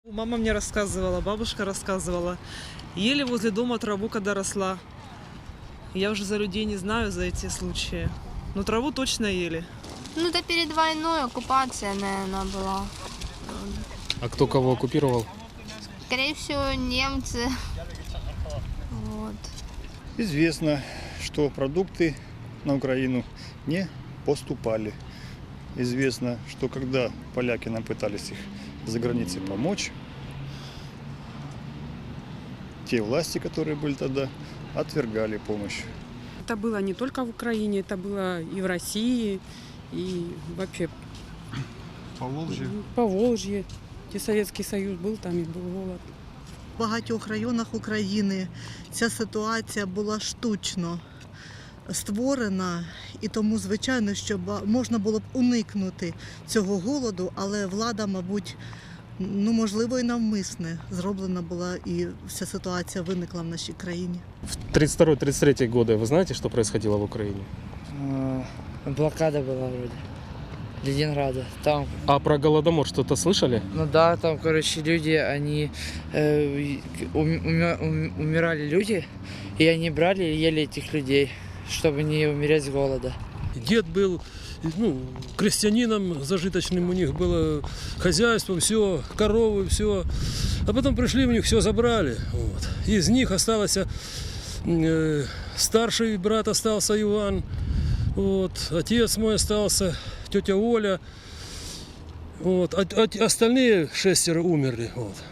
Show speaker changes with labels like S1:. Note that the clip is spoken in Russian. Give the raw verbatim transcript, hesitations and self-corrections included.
S1: Мама мне рассказывала, бабушка рассказывала. Ели возле дома траву, когда росла. Я уже за людей не знаю, за эти случаи. Но траву точно ели.
S2: Ну, это перед войной оккупация, наверное, была.
S3: А кто кого оккупировал?
S2: Скорее всего, немцы. Вот.
S4: Известно, что продукты на Украину не поступали. Известно, что когда поляки нам пытались их за границей помочь, те власти, которые были тогда, отвергали помощь.
S5: Это было не только в Украине, это было и в России, и вообще
S4: По Волжье.
S5: по Волжье. Где Советский Союз был, там и был голод.
S6: В багатьох районах України ця ситуація була штучно створена, і тому, звичайно, що можна було б уникнути цього голоду, але влада, мабуть, ну, можливо, і навмисне зроблена була, і вся ситуація виникла в нашій країні.
S3: В тридцать второй — тридцать третий годы вы знаете, что происходило в Украине?
S7: Блокада была вроде. Ленинграда. Там,
S3: А про Голодомор что-то слышали?
S7: ну да, там, короче, люди, они э, ум- умя- ум- умирали люди, и они брали и ели этих людей, чтобы не умереть с голода.
S8: Дед был, ну, крестьянином зажиточным, у них было хозяйство, все, коровы, все. А потом пришли, у них все забрали. Вот. Из них осталось э, старший брат остался Иван, вот, отец мой остался, тетя Оля. Вот, а, а остальные шестеро умерли. Вот.